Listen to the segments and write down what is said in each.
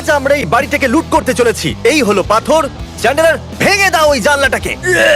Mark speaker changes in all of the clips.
Speaker 1: আজ আমরা এই বাড়িটাকে লুট করতে চলেছি। এই হলো পাথর। চ্যান্ডেলার, ভেঙে দাও ওই জানলাটাকে।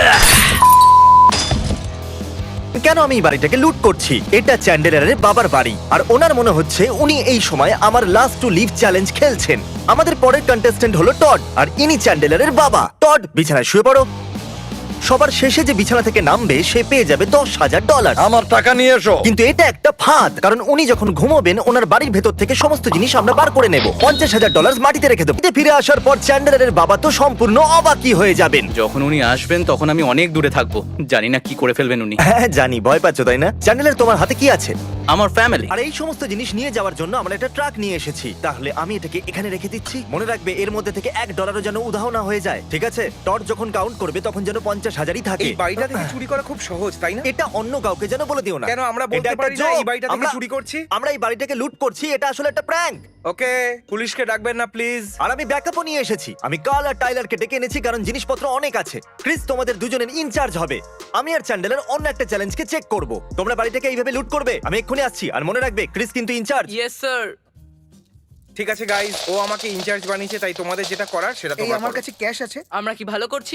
Speaker 1: কেন আমি এই বাড়িটাকে লুট করছি? এটা চ্যান্ডেলারের বাবার বাড়ি, আর ওনার মনে হচ্ছে উনি এই সময় আমার লাস্ট টু লিভ চ্যালেঞ্জ খেলছেন। আমাদের পরের কন্টেস্ট্যান্ট হলো টড, আর ইনি চ্যান্ডেলারের বাবা। টড, বিছানায় শুয়ে পড়ো। সবার শেষে যে বিছানা থেকে নামবে সে পেয়ে যাবে $10,000।
Speaker 2: আমার টাকা নিয়ে এসো।
Speaker 1: কিন্তু এটা একটা ফাঁদ, কারণ উনি যখন ঘুমোবেন ওনার বাড়ির ভেতর থেকে সমস্ত জিনিস আমরা বার করে নেব। $50,000 মাটিতে রেখে দেবো। ফিরে আসার পর চ্যান্ডেলারের বাবা তো সম্পূর্ণ অবাকই হয়ে যাবেন।
Speaker 3: যখন উনি আসবেন তখন আমি অনেক দূরে থাকবো, জানি না কি করে ফেলবেন উনি।
Speaker 1: হ্যাঁ জানি, ভয় পাচ্ছ তাই না? চ্যান্ডেলার, তোমার হাতে কি আছে?
Speaker 3: আমার ফ্যামিলি।
Speaker 1: আর এই সমস্ত জিনিস নিয়ে যাওয়ার জন্য আমরা একটা ট্রাক নিয়ে এসেছি। তাহলে আমি এটাকে এখানে রেখে দিচ্ছি। মনে রাখবে এর মধ্যে থেকে $1 যেন উধাও না হয়ে যায়, ঠিক আছে? টড যখন কাউন্ট করবে তখন যেন 50,000ই থাকে।
Speaker 4: এই বাড়িটা থেকে চুরি করা খুব সহজ, তাই না?
Speaker 1: এটা অন্য কাউকে যেন বলে দিও না।
Speaker 4: কেন আমরা
Speaker 1: এটা
Speaker 4: বলতে
Speaker 1: একটা
Speaker 4: পারি না
Speaker 1: joke।
Speaker 4: এই বাড়িটা থেকে
Speaker 1: আমরা-
Speaker 4: চুরি করছি?
Speaker 1: আমরা এই বাড়িটাকে লুট করছি, এটা আসলে একটা প্র্যাঙ্ক।
Speaker 4: ওকে, পুলিশকে ডাকবেন না প্লিজ।
Speaker 1: আর আমি ব্যাকআপও নিয়ে এসেছি। আমি কার্ল আর টাইলারকে ডেকে এনেছি কারণ জিনিসপত্র অনেক আছে। ক্রিস তোমাদের দুজনের ইনচার্জ হবে। আমি আর চ্যান্ডেলার অন্য একটা চ্যালেঞ্জকে চেক করব। তোমরা বাড়িটাকে এইভাবে লুট করবে। আমি এক্ষুনি আসছি। আর মনে রাখবে ক্রিস কিন্তু ইনচার্জ।
Speaker 5: Yes sir.
Speaker 4: ঠিক আছে গাইস, ও আমাকে ইনচার্জ বানিয়েছে, তাই তোমাদের যেটা করার সেটা
Speaker 6: এই
Speaker 4: তোমরা
Speaker 6: আমার
Speaker 4: করো।
Speaker 6: কাছে ক্যাশ আছে।
Speaker 5: আমরা কি ভালো করছি?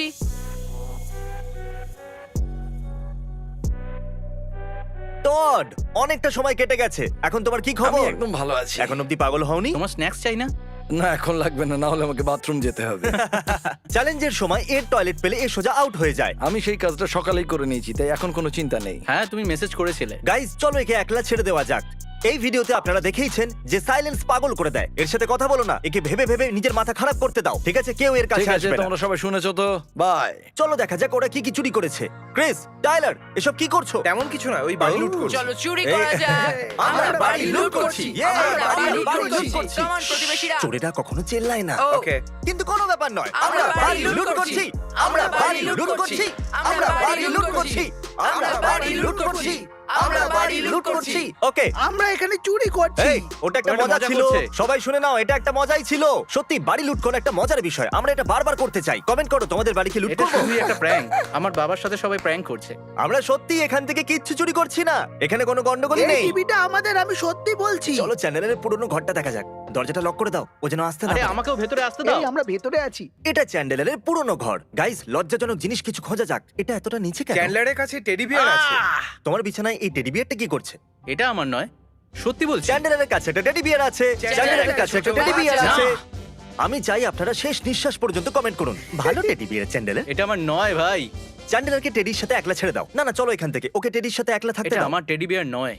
Speaker 1: টড, অনেকটা সময় কেটে গেছে। এখন তোমার কি
Speaker 2: আমি
Speaker 1: খবর?
Speaker 2: একদম ভালো আছি।
Speaker 1: এখন অব্দি পাগল হওনি?
Speaker 3: তোমার স্ন্যাক্স চাই না?
Speaker 2: না, এখন লাগবে না, না হলে আমাকে বাথরুম যেতে হবে।
Speaker 1: চ্যালেঞ্জের সময় এর টয়লেট পেলে এ সোজা আউট হয়ে যায়।
Speaker 2: আমি সেই কাজটা সকালেই করে নিয়েছি, তাই এখন কোনো চিন্তা নেই।
Speaker 3: হ্যাঁ, তুমি মেসেজ করেছিলে।
Speaker 1: গাইজ, চলো একে একলা ছেড়ে দেওয়া যাক। এই ভিডিওতে আপনারা দেখেইছেন যে সাইলেন্স পাগল করে দেয়। এর সাথে কথা বলো না, একে ভেবে ভেবে নিজের মাথা খারাপ করতে দাও, ঠিক আছে? কেউ এর
Speaker 2: ঠিক
Speaker 1: কাছে
Speaker 2: আছে,
Speaker 1: আসবে না।
Speaker 2: তোমরা সবাই শুনেছো তো? বাই।
Speaker 1: চলো দেখা যাক ওরা কি কি চুরি করেছে। ক্রিস, টাইলার, এসব কি করছো?
Speaker 4: তেমন কিছু না, ওই বাড়ি লুট করছি।
Speaker 5: চলো চুরি করা যাক।
Speaker 1: আমরা বাড়ি লুট করছি।
Speaker 5: আমরা বাড়ি লুট
Speaker 1: বাড়ি লুট
Speaker 5: করছি।
Speaker 1: করছি।
Speaker 5: Come on, প্রতিবেশীরা।
Speaker 1: চোরেরা কখনো চেল্লায় না।
Speaker 5: ও,
Speaker 4: ওকে,
Speaker 1: কিন্তু কোনো ব্যাপার নয়।
Speaker 5: আমরা
Speaker 1: আমরা বাড়ি লুট করছি। আমরা বাড়ি লুট করছি। আমরা বাড়ি লুট করছি। আমরা বাড়ি লুট করছি। আমরা বাড়ি লুট করছি। ওকে,
Speaker 6: আমরা এখানে চুরি করছি।
Speaker 1: এই, ওটা একটা
Speaker 3: ওটা
Speaker 1: মজা
Speaker 3: মজা
Speaker 1: ছিল।
Speaker 3: করছে।
Speaker 1: সবাই শুনে নাও, এটা একটা মজাই ছিল। সত্যি বাড়ি লুট করা একটা মজার বিষয়। আমরা এটা বারবার করতে চাই। কমেন্ট করো তোমাদের বাড়ি কি লুট
Speaker 3: এটা
Speaker 1: করবো?
Speaker 3: শুধুই একটা প্র্যাঙ্ক। আমার বাবার সাথে সবাই প্র্যাঙ্ক করছে।
Speaker 1: আমরা সত্যি এখান থেকে কিচ্ছু চুরি করছি না। এখানে কোনো গন্ডগোলই
Speaker 6: এই
Speaker 1: নেই।
Speaker 6: টিভিটা আমাদের, আমি সত্যি বলছি।
Speaker 1: চলো চ্যানেলের পুরনো ঘরটা দেখা যাক। দরজাটা লক করে দাও, ও যেন আসতে না
Speaker 3: আরে
Speaker 1: পারে।
Speaker 3: আমাকেও ভেতরে আসতে দাও।
Speaker 6: এই আমরা ভেতরে আছি।
Speaker 1: এটা চ্যান্ডেলারের পুরনো ঘর। গাইস, লজ্জাজনক জিনিস কিছু খোঁজা যাক। এটা এতটা নিচে কেন?
Speaker 4: চ্যান্ডলারের কাছে টেডি বিয়ার আছে।
Speaker 1: তোমার বিছানায় এই টেডি বিয়ারটা কি করছে?
Speaker 3: এটা আমার নয়, সত্যি বলছি।
Speaker 1: চ্যান্ডেলারের কাছে একটা টেডি বিয়ার আছে। চ্যান্ডেলারের কাছে একটা টেডি বিয়ার
Speaker 3: না।
Speaker 1: আছে। আমি চাই আপনারা শেষ নিঃশ্বাস পর্যন্ত কমেন্ট করুন। ভালো টেডি বিয়ার চ্যান্ডেলার।
Speaker 3: এটা আমার নয় ভাই,
Speaker 1: চ্যান্ডেলারকে টেডির সাথে একলা ছেড়ে দাও। না না, চলো এখান থেকে। ওকে টেডির সাথে একলা থাকতে
Speaker 3: এটা
Speaker 1: দাও।
Speaker 3: আমার টেডি বিয়ার নয়।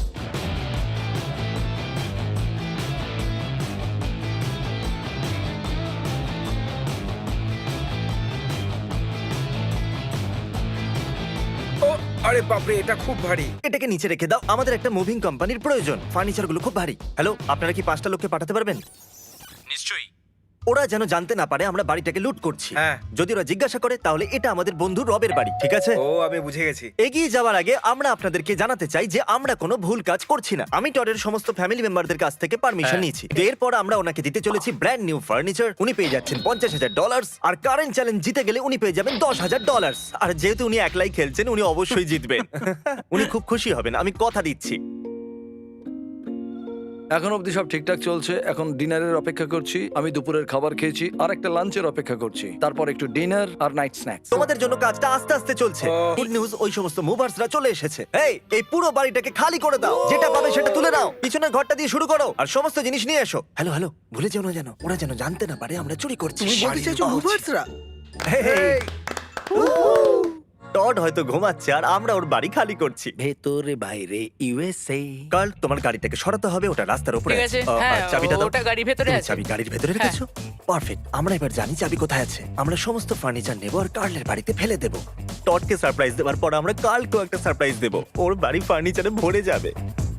Speaker 4: ও আরে বাপরে, এটা খুব ভারী।
Speaker 1: এটাকে নিচে রেখে দাও। আমাদের একটা মুভিং কোম্পানির প্রয়োজন। ফার্নিচার গুলো খুব ভারী। হ্যালো, আপনারা কি 5টা লোককে পাঠাতে পারবেন?
Speaker 3: নিশ্চয়ই।
Speaker 1: ওরা যেন জানতে না পারে আমরা বাড়িটাকে লুট করছি।
Speaker 4: হ্যাঁ।
Speaker 1: যদি ওরা জিজ্ঞাসা করে তাহলে এটা আমাদের বন্ধু রবের বাড়ি, ঠিক আছে?
Speaker 4: ও, আমি বুঝে গেছি।
Speaker 1: এগিয়ে যাওয়ার আগে আমরা আপনাদেরকে জানাতে চাই যে আমরা কোনো ভুল কাজ করছি না। আমি টডের সমস্ত ফ্যামিলি মেম্বারদের কাছ থেকে পারমিশন
Speaker 3: হ্যাঁ।
Speaker 1: নিয়েছি। তো এরপর আমরা ওনাকে দিতে চলেছি ব্র্যান্ড নিউ ফার্নিচার। উনি পেয়ে যাচ্ছেন $50,000, আর কারেন্ট চ্যালেঞ্জ জিতে গেলে উনি পেয়ে যাবেন $10,000। আর যেহেতু উনি একলাই খেলছেন, উনি অবশ্যই জিতবেন। উনি খুব খুশি হবেন, আমি কথা দিচ্ছি।
Speaker 2: এখন অবধি সব ঠিকঠাক চলছে। এখন ডিনারের অপেক্ষা করছি। আমি দুপুরের খাবার খেয়েছি, আর একটা লাঞ্চের অপেক্ষা করছি, তারপর একটু ডিনার আর নাইট স্ন্যাক্স।
Speaker 1: তোমাদের জন্য কাজটা আস্তে আস্তে চলছে।
Speaker 4: ও।
Speaker 1: গুড নিউজ, ওই সমস্ত মুভার্সরা চলে এসেছে। এই পুরো বাড়িটাকে খালি করে দাও। যেটা পাবে সেটা তুলে নাও। পিছনের ঘরটা দিয়ে শুরু করো আর সমস্ত জিনিস নিয়ে এসো। হ্যালো হ্যালো, ভুলে যেও না যেন। ওরা যেন জানতে না পারে আমরা চুরি করছি।
Speaker 6: তুমি বলতে চাইছো মুভার্সরা?
Speaker 1: হেই, টড হয়তো ঘুমাচ্ছে আর আমরা ওর বাড়ি খালি করছি।
Speaker 2: ভেতরে বাইরে ইউএসএ।
Speaker 1: কাল, তোমার গাড়িটাকে সরাতে হবে, ওটা রাস্তার উপরে
Speaker 5: ঠিক আছে।
Speaker 1: আছে।
Speaker 5: হ্যাঁ,
Speaker 1: আর চাবিটা দাও।
Speaker 5: ওটা গাড়ির ভেতরে
Speaker 1: তুমি
Speaker 5: আছে।
Speaker 1: চাবি গাড়ির ভেতরে রেখেছো? পারফেক্ট। আমরা এবার জানি চাবি কোথায় আছে। আমরা সমস্ত ফার্নিচার নেব আর কার্লের বাড়িতে ফেলে দেব। টডকে সারপ্রাইজ দেওয়ার পর আমরা কার্লকেও একটা সারপ্রাইজ দেব। ওর বাড়ি ফার্নিচারে ভরে যাবে।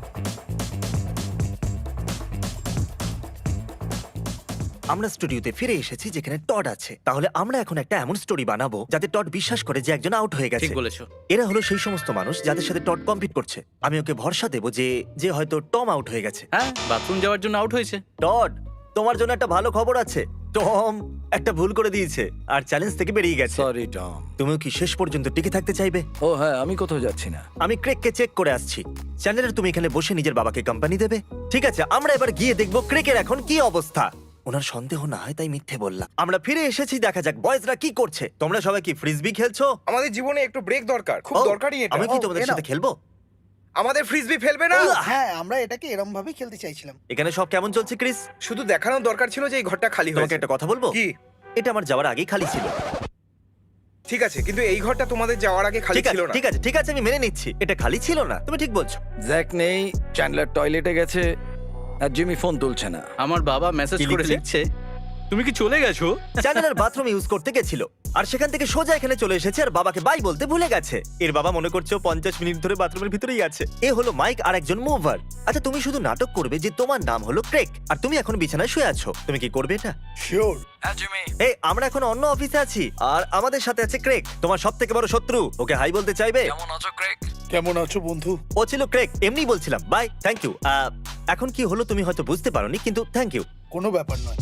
Speaker 1: আমরা স্টুডিওতে ফিরে এসেছি যেখানে টড আছে। তাহলে আমরা এখন একটা এমন স্টোরি বানাবো যাতে টড বিশ্বাস করে যে একজন আউট হয়ে গেছে।
Speaker 3: ঠিক বলেছো।
Speaker 1: এরা হলো সেই সমস্ত মানুষ যাদের সাথে টড কম্পিট করছে। আমি ওকে ভরসা দেবো যে যে হয়তো টম আউট হয়ে গেছে।
Speaker 3: হ্যাঁ, বাথরুম যাওয়ার জন্য আউট হয়েছে।
Speaker 1: টড, তোমার জন্য একটা ভালো খবর আছে। টম একটা ভুল করে দিয়েছে আর চ্যালেঞ্জ থেকে বেরিয়ে গেছে।
Speaker 2: Sorry Tom.
Speaker 1: তুমিও কি শেষ পর্যন্ত টিকে থাকতে চাইবে?
Speaker 2: ও হ্যাঁ, আমি কোথাও যাচ্ছি না।
Speaker 1: আমি ক্রেককে চেক করে আসছি। চ্যানেলের তুমি এখানে বসে নিজের বাবাকে কোম্পানি দেবে? ঠিক আছে, আমরা এবার গিয়ে দেখবো ক্রেকের এখন কি অবস্থা। ওনার সন্দেহ না হয় তাই মিথ্যে বললাম। আমরা ফিরে এসেছি, দেখা যাক বয়েজরা কি করছে। তোমরা সবাই কি ফ্রিজবি খেলছো?
Speaker 4: আমাদের জীবনে একটু ব্রেক দরকার, খুব
Speaker 1: ও,
Speaker 4: দরকারি এটা।
Speaker 1: আমি কি
Speaker 6: ও,
Speaker 1: তোমাদের
Speaker 6: এ নাও।
Speaker 1: সাথে খেলবো?
Speaker 4: আমাদের ফ্রিজবি ফেলবে না?
Speaker 6: হ্যাঁ, আমরা এটাকে এরম ভাবে খেলতে চাইছিলাম।
Speaker 1: এখানে সব কেমন চলছে ক্রিস?
Speaker 4: শুধু দেখানোর দরকার ছিল যে এই ঘরটা খালি
Speaker 1: তোমাকে
Speaker 4: হয়েছে।
Speaker 1: একটা কথা বলবো?
Speaker 4: কি?
Speaker 1: এটা আমার যাওয়ার আগেই খালি ছিল।
Speaker 4: ঠিক আছে, কিন্তু এই ঘরটা তোমাদের যাওয়ার আগে খালি
Speaker 1: ঠিক আছে
Speaker 4: ছিল না।
Speaker 1: ঠিক আছে ঠিক আছে, আমি মেনে নিচ্ছি এটা খালি ছিল না, তুমি ঠিক বলছো।
Speaker 2: জ্যাক নেই, চ্যান্ডলার টয়লেটে গেছে, আর জিমি ফোন তুলছে না।
Speaker 3: আমার বাবা মেসেজ
Speaker 1: কি
Speaker 3: করে
Speaker 1: লিখছে?
Speaker 3: লিখছে, তুমি কি চলে গেছো?
Speaker 1: চ্যানেলের বাথরুম ইউজ করতে গেছিল আর সেখান থেকে সোজা এখানে চলে এসেছে আর বাবাকে বাই বলতে ভুলে গেছে। এর বাবা মনে করছে ও 50 মিনিট ধরে বাথরুমের ভিতরেই আছে। এ হলো মাইক আর একজন মুভার। আচ্ছা, তুমি শুধু নাটক করবে যে তোমার নাম হলো ক্রেক আর তুমি এখন বিছানায় শুয়ে আছো। তুমি কি করবে এটা?
Speaker 6: শিওর।
Speaker 2: হ্যাঁ জিমি।
Speaker 1: এই, আমরা এখন অন্য অফিসে আছি আর আমাদের সাথে আছে ক্রেক, তোমার সবথেকে বড় শত্রু। ওকে হাই বলতে চাইবে?
Speaker 2: কেমন আছো ক্রেক?
Speaker 6: কেমন আছো বন্ধু?
Speaker 1: ও ছিল ক্রেক, এমনি বলছিলাম। Bye, thank you. এখন কি হলো তুমি হয়তো বুঝতে পারোনি, কিন্তু থ্যাংক ইউ।
Speaker 6: কোনো ব্যাপার নয়।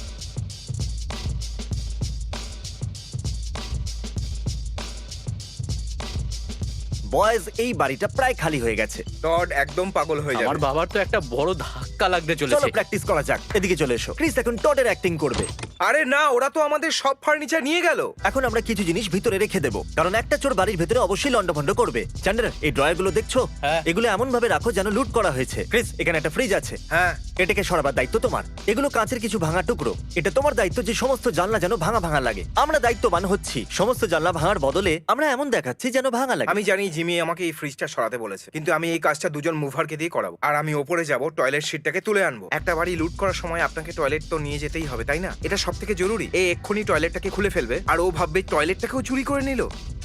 Speaker 1: বয়েজ, এই বাড়িটা প্রায় খালি হয়ে গেছে।
Speaker 4: টড একদম পাগল হয়ে
Speaker 3: আমার
Speaker 4: যাবে।
Speaker 3: বাবার তো একটা বড় ধাক্কা লাগতে
Speaker 1: চলো
Speaker 3: চলেছে।
Speaker 1: প্র্যাকটিস করা যাক। এদিকে চলে এসো। ক্রিস এখন টডের অ্যাক্টিং করবে।
Speaker 4: আরে না, ওরা তো আমাদের সব ফার্নিচার নিয়ে গেল।
Speaker 1: এখন আমরা কিছু জিনিস ভিতরে রেখে দেবো, কারণ একটা চোর বাড়ির ভিতরে অবশ্যই লন্ডভন্ড করবে। চ্যান্ডলার, এই ড্রয়ার গুলো দেখছো?
Speaker 3: হ্যাঁ।
Speaker 1: এগুলো এমন ভাবে রাখো যেন লুট করা হয়েছে। ক্রিস, এখানে একটা ফ্রিজ আছে,
Speaker 4: হ্যাঁ,
Speaker 1: এটাকে সরাবার দায়িত্ব তোমার। এগুলো কাঁচের কিছু ভাঙা টুকরো, এটা তোমার দায়িত্ব যে সমস্ত জানলা যেন ভাঙা ভাঙা লাগে। আমরা দায়িত্ববান হচ্ছি, সমস্ত জানলা ভাঙার বদলে আমরা এমন দেখাচ্ছি যেন ভাঙা লাগে।
Speaker 4: আমি জানি জিমি আমাকে এই ফ্রিজটা সরাতে বলেছে, কিন্তু আমি এই কাজটা দুজন মুভারকে দিয়ে করাবো। আর আমি ওপরে যাব, টয়লেট সিটটাকে তুলে আনবো। একটা বাড়ি লুট করার সময় আপনাকে টয়লেট তো নিয়ে যেতেই হবে, তাই না? এটা সব থেকে জরুরি। এই এক্ষুনি টয়লেটটাকে খুলে ফেলবে আর ও ভাববে টয়লেটটাকেও চুরি করে নিল।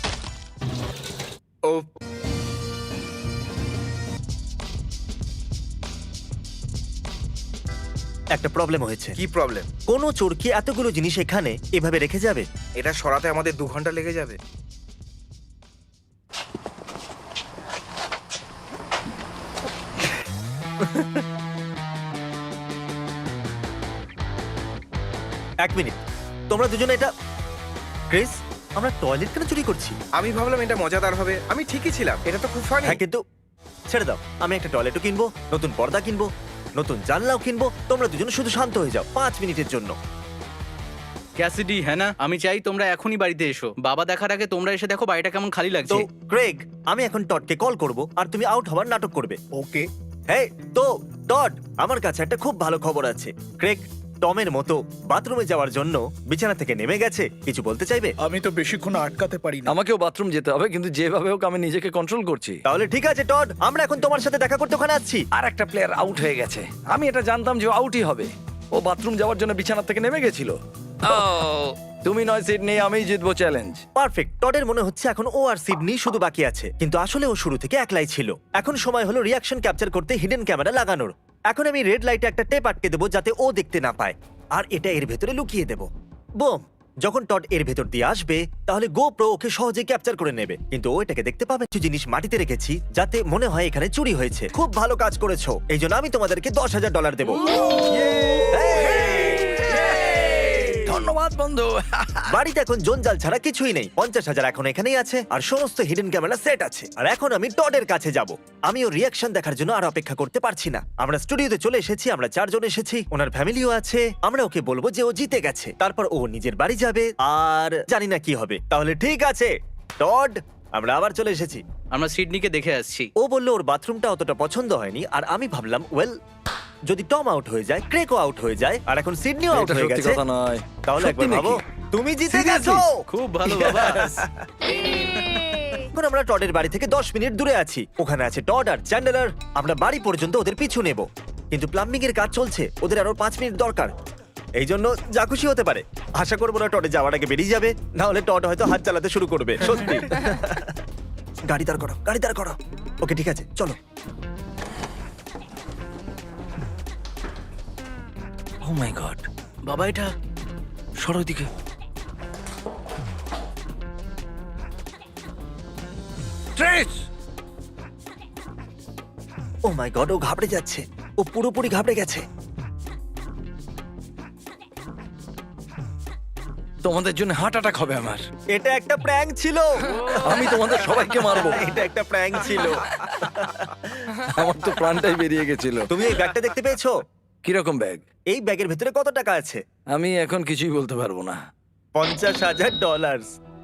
Speaker 4: ও
Speaker 1: একটা প্রবলেম হয়েছে।
Speaker 4: কি প্রবলেম?
Speaker 1: কোনো চোর কি এতগুলো জিনিস এখানে এভাবে রেখে যাবে?
Speaker 4: এটা সরাতে আমাদের 2 ঘন্টা লেগে যাবে।
Speaker 1: এক মিনিট, তোমরা দুজনে এটা... ক্রিস, আমরা টয়লেট কেন চুরি করছি?
Speaker 4: আমি ভাবলাম এটা মজাদার হবে। আমি ঠিকই ছিলাম, এটা তো খুব ফানি।
Speaker 1: হ্যাঁ, কিন্তু ছেড়ে দাও। আমি একটা টয়লেটও কিনবো, নতুন পর্দা কিনবো, নতুন জানলাও কিনবো। তোমরা দুজন শুধু শান্ত হয়ে যাও 5 মিনিটের জন্য।
Speaker 3: ক্যাসিডি, হ্যাঁ না, আমি চাই তোমরা এখনই বাড়িতে এসো। বাবা দেখার আগে তোমরা এসে দেখো বাড়িটা কেমন খালি
Speaker 1: তো
Speaker 3: লাগছে।
Speaker 1: ক্রেগ, আমি এখন টডকে কল করব আর তুমি আউট হওয়ার নাটক করবে।
Speaker 6: ওকে।
Speaker 1: হ্যাঁ তো টড, আমার কাছে একটা খুব ভালো খবর আছে। ক্রেগ টমের মতো বাথরুমে যাওয়ার জন্য বিছানা থেকে নেমে গেছে। কিছু বলতে চাইবে?
Speaker 6: আমি তো বেশিক্ষণ আটকাতে পারি না।
Speaker 2: আমাকেও বাথরুম যেতে হবে, কিন্তু যেভাবে হোক আমি নিজেকে কন্ট্রোল করছি।
Speaker 1: তাহলে ঠিক আছে টড, আমরা এখন তোমার সাথে দেখা করতে ওখানে আসছি।
Speaker 2: আর একটা প্লেয়ার আউট হয়ে গেছে। আমি এটা জানতাম যে আউটই হবে। ও বাথরুম যাওয়ার জন্য বিছানা থেকে নেমে গেছিল। তুমি নয় সিডনি, আমিই জিতবো চ্যালেঞ্জ।
Speaker 1: পারফেক্ট। টডের মনে হচ্ছে এখন ও আর সিডনি শুধু বাকি আছে, কিন্তু আসলে ও শুরু থেকে একলাই ছিল। এখন সময় হলো রিয়াকশন ক্যাপচার করতে হিডেন ক্যামেরা লাগানোর। এখন আমি রেড লাইটে একটা টেপ আটকে দেবো যাতে ও দেখতে না পায়, আর এটা এর ভেতরে লুকিয়ে দেবো। বুম! যখন টড এর ভেতর দিয়ে আসবে তাহলে GoPro ওকে সহজে ক্যাপচার করে নেবে, কিন্তু ও এটাকে দেখতে পাবে। কিছু জিনিস মাটিতে রেখেছি যাতে মনে হয় এখানে চুরি হয়েছে। খুব ভালো কাজ করেছো, এই জন্য আমি তোমাদেরকে $10,000 দেবো।
Speaker 2: ধন্যবাদ বন্ধু।
Speaker 1: বাড়িতে এখন জঞ্জাল ছাড়া কিছুই নেই। 50,000 এখন এখানেই আছে আর সমস্ত হিডেন ক্যামেরা সেট আছে। আর এখন আমি টডের কাছে যাব। আমি ওর রিয়াকশন দেখার জন্য আর অপেক্ষা করতে পারছি না। আমরা স্টুডিওতে চলে এসেছি, আমরা 4 জন এসেছি, ওনার ফ্যামিলিও আছে। আমরা ওকে বলবো যে ও জিতে গেছে, তারপর ও নিজের বাড়ি যাবে আর জানি না কি হবে। তাহলে ঠিক আছে টড, আমরা আবার চলে এসেছি।
Speaker 3: আমরা সিডনিকে দেখে আসছি।
Speaker 1: ও বললো ওর বাথরুমটা অতটা পছন্দ হয়নি, আর আমি ভাবলাম ওয়েল, যদি টম আউট হয়ে যায়, ক্রেকও আউট হয়ে যায়, আর এখন সিডনিও আউট
Speaker 2: এটা
Speaker 1: হয়ে
Speaker 2: সত্যি
Speaker 1: গেছে,
Speaker 2: কথা নয়।
Speaker 1: তাহলে
Speaker 2: সত্যি
Speaker 1: একবার ভাবো,
Speaker 2: নাকি?
Speaker 1: তুমি জিতে
Speaker 2: Seriously?
Speaker 1: গেছো।
Speaker 3: খুব ভালো বাবা।
Speaker 1: এখন আমরা টডের বাড়ি থেকে 10 মিনিট দূরে আছি। ওখানে আছে টড আর চ্যান্ডলার। আমরা বাড়ি পর্যন্ত ওদের পিছু নেব, কিন্তু প্লাম্বিং এর কাজ চলছে, ওদের আরো 5 মিনিট দরকার। এই জন্য যা খুশি হতে পারে। আশা করবো না টডে যাওয়ার আগে বেরিয়ে যাবে, না হলে টড হয়তো হাত চালাতে শুরু করবে। সত্যি। গাড়ি দাঁড় করো, গাড়ি দাঁড় করো। ওকে ঠিক আছে, চলো।
Speaker 2: ও মাই গড,
Speaker 3: বাবা এটা
Speaker 2: সরো দিকে। ট্রেস!
Speaker 1: ও মাই গড, ও ঘাবড়ে যাচ্ছে, ও পুরোপুরি ঘাবড়ে গেছে।
Speaker 2: তোমাদের জন্য হার্ট অ্যাটাক হবে আমার।
Speaker 1: এটা একটা প্র্যাঙ্ক ছিল।
Speaker 2: আমি তোমাদের সবাইকে মারবো।
Speaker 1: এটা একটা প্র্যাঙ্ক ছিল।
Speaker 2: আমার তো প্রাণটাই বেরিয়ে গেছিল।
Speaker 1: তুমি এই ব্যাগটা দেখতে পেয়েছো?
Speaker 2: কিরকম ব্যাগ?
Speaker 1: এই ব্যাগের ভেতরে কত টাকা আছে?
Speaker 2: আমি এখন কিছুই বলতে পারবো না।
Speaker 1: $50,000।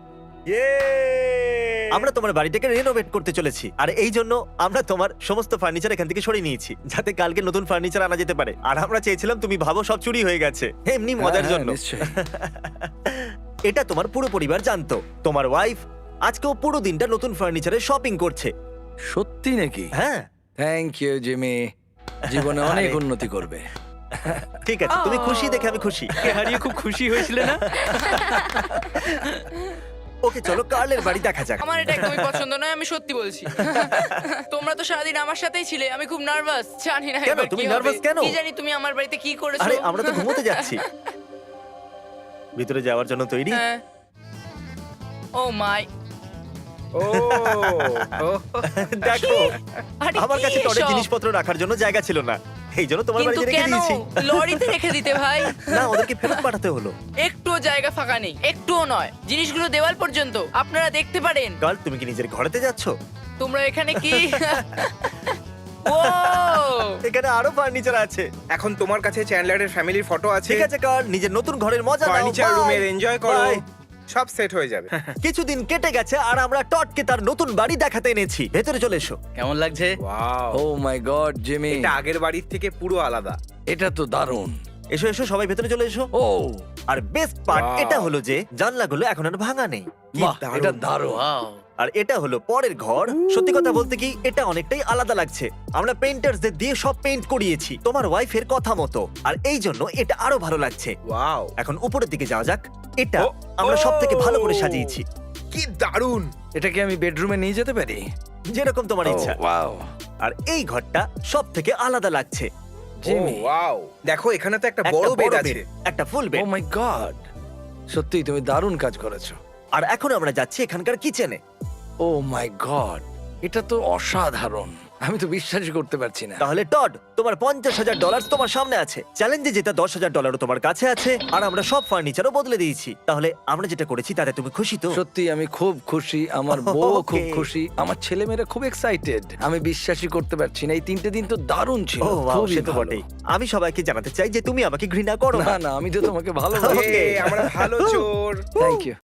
Speaker 1: আমরা তোমার বাড়িটাকে রেনোভেট করতে চলেছি, আর এই জন্য আমরা তোমার সমস্ত ফার্নিচার এখান থেকে সরিয়ে নিয়েছি, যাতে কালকে নতুন ফার্নিচার আনা যেতে পারে। আর আমরা চেয়েছিলাম তুমি ভাবো সব চুরি হয়ে গেছে, এমনি মজার
Speaker 2: হ্যাঁ,
Speaker 1: জন্য।
Speaker 2: নিশ্চয়ই।
Speaker 1: এটা তোমার পুরো পরিবার জানতো। তোমার ওয়াইফ আজকেও পুরো দিনটা নতুন ফার্নিচারের শপিং করছে।
Speaker 2: সত্যি নাকি?
Speaker 1: হ্যাঁ
Speaker 2: থ্যাংক ইউ জিমি, জীবনে অনেক
Speaker 1: আরে।
Speaker 2: উন্নতি করবে।
Speaker 1: ঠিক আছে, তুমি খুশি দেখে আমি খুশি।
Speaker 3: হারিয়ে খুব খুশি হয়েছিলে না?
Speaker 1: ওকে চলো কার্লের বাড়ি দেখা যাক।
Speaker 5: আমার এটা একদমই পছন্দ নয়, আমি সত্যি বলছি। তোমরা তো সারাদিন আমার সাথেই ছিলে, আমি খুব নার্ভাস। জানি না
Speaker 1: কেন?
Speaker 5: এবার
Speaker 1: তুমি
Speaker 5: কি হবে।
Speaker 1: nervous কেন?
Speaker 5: কি জানি তুমি আমার বাড়িতে কি করেছো।
Speaker 1: আরে আমরা তো ঘুমোতে যাচ্ছি। ভিতরে যাওয়ার জন্য তৈরি?
Speaker 5: হ্যাঁ। ও মাই,
Speaker 4: ও
Speaker 1: দেখো
Speaker 5: আরে
Speaker 1: আমার
Speaker 5: কি
Speaker 1: কাছে টরের
Speaker 5: এসব?
Speaker 1: জিনিসপত্র রাখার জন্য জায়গা ছিল না, এই জন্য তোমার
Speaker 5: কিন্তু
Speaker 1: বাড়িতে রেখে
Speaker 5: কেন
Speaker 1: দিয়েছি।
Speaker 5: লরিতে রেখে দিতে ভাই?
Speaker 1: না, ওদেরকে ফেরত পাঠাতে হলো।
Speaker 5: একটুও জায়গা ফাঁকা নেই, একটুও নয়। জিনিসগুলো দেওয়াল পর্যন্ত আপনারা দেখতে পারেন।
Speaker 1: কাল তুমি কি নিজের ঘরেতে যাচ্ছ?
Speaker 5: তোমরা এখানে কি ও
Speaker 1: এখানে আরো ফার্নিচার আছে।
Speaker 4: এখন তোমার কাছে চ্যান্ডলারের ফ্যামিলির ফটো আছে।
Speaker 1: ঠিক আছে কাল, নিজের নতুন ঘরের মজা নাও।
Speaker 4: Furniture
Speaker 1: Bye!
Speaker 4: রুমের এনজয় করো,
Speaker 1: Bye!
Speaker 4: সব সেট হয়ে যাবে।
Speaker 1: কিছুদিন কেটে গেছে আর আমরা টডকে তার নতুন বাড়ি দেখাতে এনেছি। ভেতরে চলে এসো।
Speaker 3: কেমন লাগছে?
Speaker 4: Wow,
Speaker 2: oh my god Jimmy,
Speaker 4: এটা আগের বাড়ির থেকে পুরো আলাদা।
Speaker 2: এটা তো দারুণ।
Speaker 1: এসো এসো, সবাই ভেতরে চলে এসো।
Speaker 2: ও
Speaker 1: আর বেস্ট পার্ট
Speaker 4: Wow!
Speaker 1: এটা হলো যে জানলাগুলো এখন আর ভাঙা নেই। কি
Speaker 2: বাহ,
Speaker 1: দারুণ।
Speaker 2: এটা দারুণ।
Speaker 3: ওয়াও,
Speaker 1: আর এটা হলো পরের ঘর। সত্যি কথা বলতে কি এটা অনেকটাই আলাদা লাগছে। আমরা পেইন্টার্সদের দিয়ে সব পেইন্ট করিয়েছি তোমার ওয়াইফের কথা মতো, আর এই জন্য এটা আরো ভালো লাগছে।
Speaker 4: ওয়াও,
Speaker 1: এখন উপরের দিকে যাওয়া যাক। এটা
Speaker 4: ও,
Speaker 1: আমরা
Speaker 4: ও!
Speaker 1: সব থেকে ভালো করে সাজিয়েছি,
Speaker 4: কি দারুণ।
Speaker 2: এটা কি আমি বেডরুমে নিয়ে যেতে পারি?
Speaker 1: যেরকম তোমার ইচ্ছা।
Speaker 2: ওয়াও
Speaker 1: আর এই ঘরটা সব থেকে আলাদা লাগছে।
Speaker 2: জিমি,
Speaker 4: ওয়াও, দেখো এখানে তো একটা
Speaker 1: একটা
Speaker 4: বড় বেড
Speaker 1: bed,
Speaker 4: আছে।
Speaker 1: একটা ফুল
Speaker 2: ও
Speaker 1: বেড।
Speaker 2: মাই গড, সত্যি তুমি দারুণ কাজ করেছো।
Speaker 1: আর এখন আমরা যাচ্ছি এখানকার কিচেনে।
Speaker 2: ও মাই গড, এটা তো অসাধারণ, আমি তো বিশ্বাসই করতে পারছি না।
Speaker 1: তাহলে টড, তোমার $50,000 তোমার সামনে আছে। চ্যালেঞ্জে যেটা $10,000 তোমার কাছে আছে, আর আমরা সব ফার্নিচারও বদলে দিয়েছি। তাহলে আমরা যেটা করেছি তাতে তুমি খুশি তো?
Speaker 2: সত্যি আমি খুব খুশি, আমার বউ খুব
Speaker 1: Okay.
Speaker 2: খুশি, আমার ছেলেমেয়েরা খুব এক্সাইটেড। আমি বিশ্বাসই করতে পারছি না, এই 3টে দিন তো দারুণ ছিল।
Speaker 1: ও wow,
Speaker 2: খুবই
Speaker 1: সে তো
Speaker 2: ভালো।
Speaker 1: বটেই। আমি সবাইকে জানাতে চাই যে তুমি আমাকে ঘৃণা করো
Speaker 2: না
Speaker 1: না।
Speaker 2: না, আমি তো তোমাকে ভালো
Speaker 1: Okay.
Speaker 4: এ, আমরা ভালো চোর।
Speaker 2: Thank you.